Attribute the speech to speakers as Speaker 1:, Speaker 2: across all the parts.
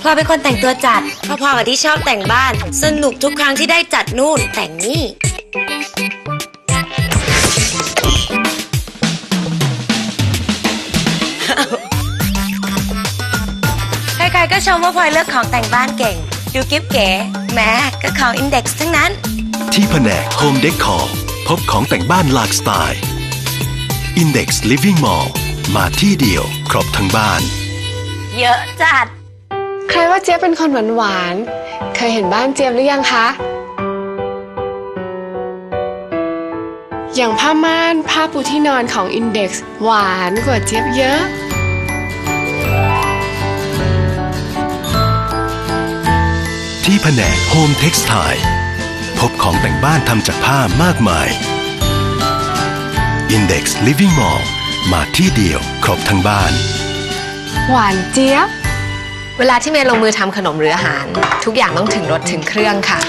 Speaker 1: พลอยเป็นคนแต่งตัวจัดพอๆกับที่ชอบแต่งบ้าน สนุกทุกครั้งที่ได้จัดนู่นแต่งนี่ ใครๆก็ชมว่าพลอยเลือกของแต่งบ้านเก่ง ดูกิ๊บเก๋แม้ก็ของ Index ทั้งนั้น
Speaker 2: ที่แผนก Home Decor พบของแต่งบ้านหลากสไตล์ Index Living Mall มาที่เดียวครบทั้งบ้าน
Speaker 1: เยอะจัด
Speaker 3: ใครว่าเจี๊ยบเป็นคนหวานๆ เคยเห็นบ้านเจี๊ยบหรือยังคะ อย่างผ้าม่านผ้าปูที่นอนของ Index หวานกว่าเจี๊ยบเยอะ
Speaker 2: ที่แผนก Home Textile พบของแต่งบ้านทำจากผ้ามากมาย Index Living Mall มาที่เดียวครบทั้งบ้าน
Speaker 3: หวานเจี๊ยบ
Speaker 4: เวลาที่เมย์ลงมือทำขนมหรืออาหาร ทุกอย่างต้องถึงรสถึงเครื่องค่ะ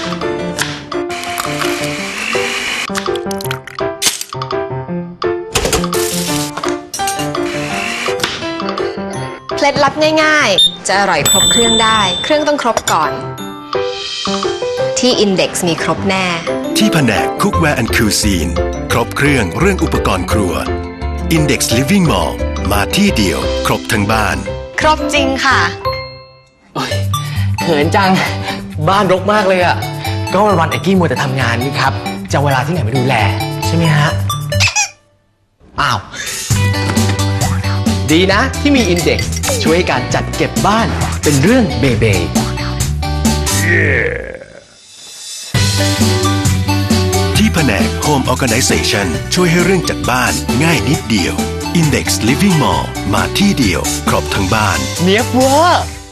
Speaker 4: เคล็ดลับง่ายๆ จะอร่อยครบเครื่องได้ เครื่องต้องครบก่อน ที่ Index มีครบแน่
Speaker 2: ที่แผนก Cookware and Cuisine ครบเครื่องเรื่องอุปกรณ์ครัว Index Living Mall มาที่เดียวครบทั้งบ้าน
Speaker 4: ครบจริงค่ะ
Speaker 5: โอ้ยเขินจังบ้านรกมากเลยอ่ะก็วันๆไอ้กี้มัวแต่ทำงานนี่ครับจะเอาเวลาที่ไหนมาดูแลใช่ไหมฮะอ้าวดีนะที่มี Index ช่วยการจัดเก็บบ้านเป็นเรื่องเบเบ
Speaker 2: ที่แผนก Home Organization ช่วยให้เรื่องจัดบ้านง่ายนิดเดียว Index Living Mall มาที่เดียวครบทั้งบ้าน
Speaker 5: เนียบเวอร์